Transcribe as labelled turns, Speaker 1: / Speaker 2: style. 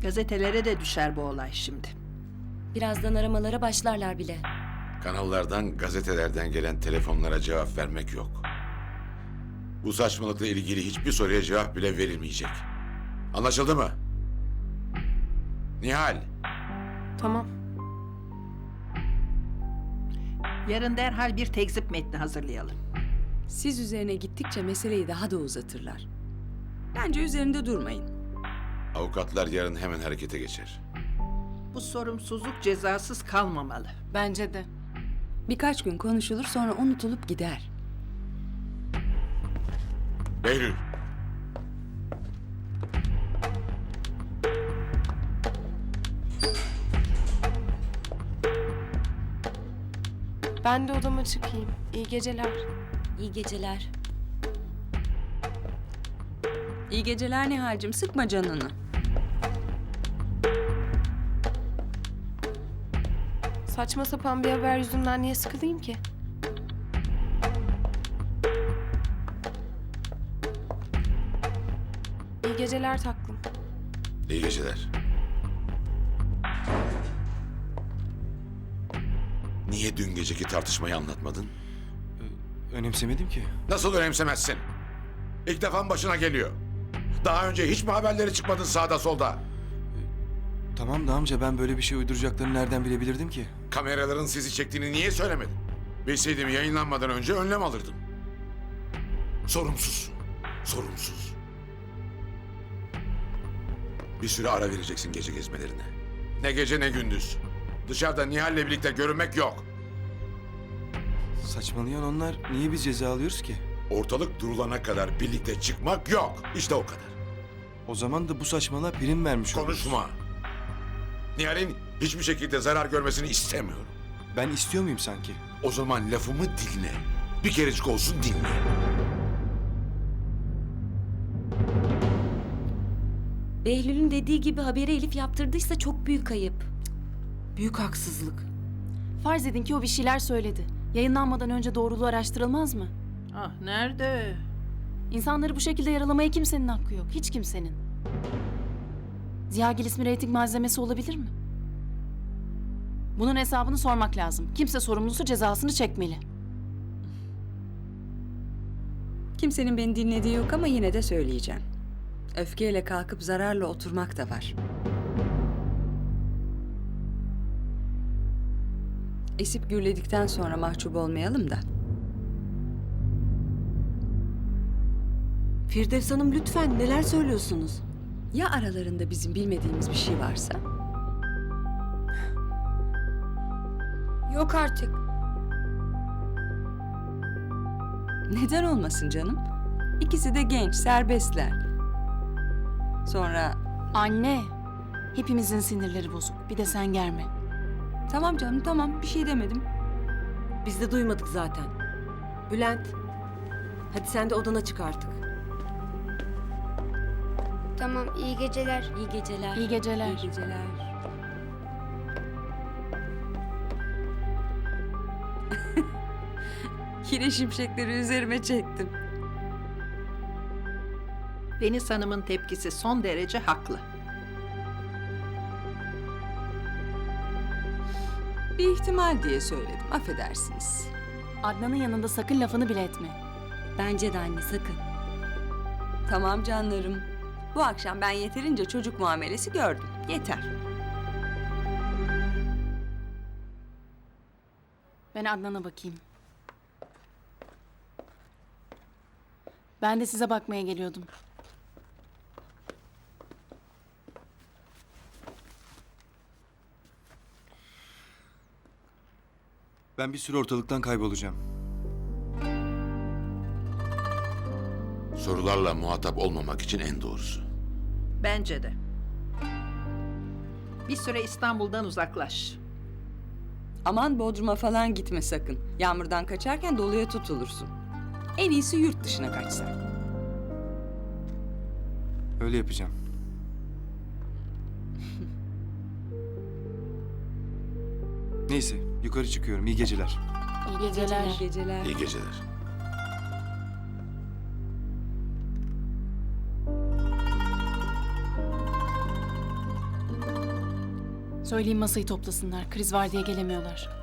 Speaker 1: Gazetelere de düşer bu olay şimdi.
Speaker 2: Birazdan aramalara başlarlar bile.
Speaker 3: Kanallardan, gazetelerden gelen telefonlara cevap vermek yok. Bu saçmalıkla ilgili hiçbir soruya cevap bile verilmeyecek. Anlaşıldı mı? Nihal,
Speaker 4: Tamam.
Speaker 1: Yarın derhal bir tekzip metni hazırlayalım.
Speaker 5: Siz üzerine gittikçe meseleyi daha da uzatırlar. Bence üzerinde durmayın.
Speaker 3: avukatlar yarın hemen harekete geçer.
Speaker 1: Bu sorumsuzluk cezasız kalmamalı.
Speaker 4: Bence de.
Speaker 5: Birkaç gün konuşulur sonra unutulup gider.
Speaker 3: Behlül,
Speaker 4: Ben de odama çıkayım. İyi geceler.
Speaker 2: İyi geceler.
Speaker 5: İyi geceler Nihal'cim, sıkma canını.
Speaker 4: Saçma sapan bir haber yüzünden niye sıkılayım ki? İyi geceler taklım.
Speaker 3: iyi geceler. Niye dün geceki tartışmayı anlatmadın?
Speaker 6: Önemsemedim ki.
Speaker 3: Nasıl önemsemezsin? İlk defa başına geliyor. Daha önce hiç mi haberleri çıkmadın sağda solda?
Speaker 6: Tamam da amca, ben böyle bir şey uyduracaklarını nereden bilebilirdim ki?
Speaker 3: Kameraların sizi çektiğini niye söylemedin? Bilseydim yayınlanmadan önce önlem alırdım. Sorumsuz. Sorumsuz. Bir süre ara vereceksin gece gezmelerine. Ne gece ne gündüz. Dışarıda Nihal'le birlikte görünmek yok.
Speaker 6: Saçmalayan onlar, niye biz ceza alıyoruz ki?
Speaker 3: Ortalık durulana kadar birlikte çıkmak yok. İşte o kadar.
Speaker 6: O zaman da bu saçmalığa prim vermiş oluruz.
Speaker 3: Konuşma. Nihal'in hiçbir şekilde zarar görmesini istemiyorum.
Speaker 6: Ben istiyor muyum sanki?
Speaker 3: O zaman lafımı dinle. Bir kerecik olsun dinle.
Speaker 2: Behlül'ün dediği gibi haberi Elif yaptırdıysa çok büyük kayıp.
Speaker 7: Büyük haksızlık. Farz edin ki o bir şeyler söyledi. Yayınlanmadan önce doğruluğu araştırılmaz mı?
Speaker 1: Ah nerede?
Speaker 7: İnsanları bu şekilde yaralamaya kimsenin hakkı yok. Hiç kimsenin. Ziyagil ismi reyting malzemesi olabilir mi? Bunun hesabını sormak lazım. Kimse sorumlusu cezasını çekmeli.
Speaker 5: Kimsenin beni dinlediği yok ama yine de söyleyeceğim. Öfkeyle kalkıp zararla oturmak da var. Esip gürledikten sonra mahcup olmayalım da.
Speaker 8: Firdevs Hanım lütfen, neler söylüyorsunuz?
Speaker 5: Ya aralarında bizim bilmediğimiz bir şey varsa?
Speaker 2: Yok artık.
Speaker 5: Neden olmasın canım? İkisi de genç, serbestler. Sonra
Speaker 7: Anne, hepimizin sinirleri bozuk. Bir de sen germe.
Speaker 5: tamam canım tamam bir şey demedim.
Speaker 8: Biz de duymadık zaten. Bülent, hadi sen de odana çık artık.
Speaker 9: Tamam, iyi geceler.
Speaker 2: İyi geceler.
Speaker 7: İyi geceler.
Speaker 5: İyi geceler. Yine şimşekleri üzerime çektim.
Speaker 1: Deniz Hanım'ın tepkisi son derece haklı.
Speaker 5: Bir ihtimal diye söyledim, affedersiniz.
Speaker 7: Adnan'ın yanında sakın lafını bile etme.
Speaker 2: Bence de anne sakın.
Speaker 5: Tamam canlarım. Bu akşam ben yeterince çocuk muamelesi gördüm. Yeter.
Speaker 7: Ben Adnan'a bakayım. Ben de size bakmaya geliyordum.
Speaker 6: Ben bir süre ortalıktan kaybolacağım.
Speaker 3: Sorularla muhatap olmamak için en doğrusu.
Speaker 1: Bence de. Bir süre İstanbul'dan uzaklaş.
Speaker 5: Aman Bodrum'a falan gitme sakın. Yağmurdan kaçarken doluya tutulursun. En iyisi yurt dışına kaçsan.
Speaker 6: Öyle yapacağım. Neyse, yukarı çıkıyorum. İyi geceler.
Speaker 7: İyi geceler.
Speaker 5: İyi geceler.
Speaker 3: İyi geceler.
Speaker 7: Söyleyeyim masayı toplasınlar. Kriz var diye gelemiyorlar.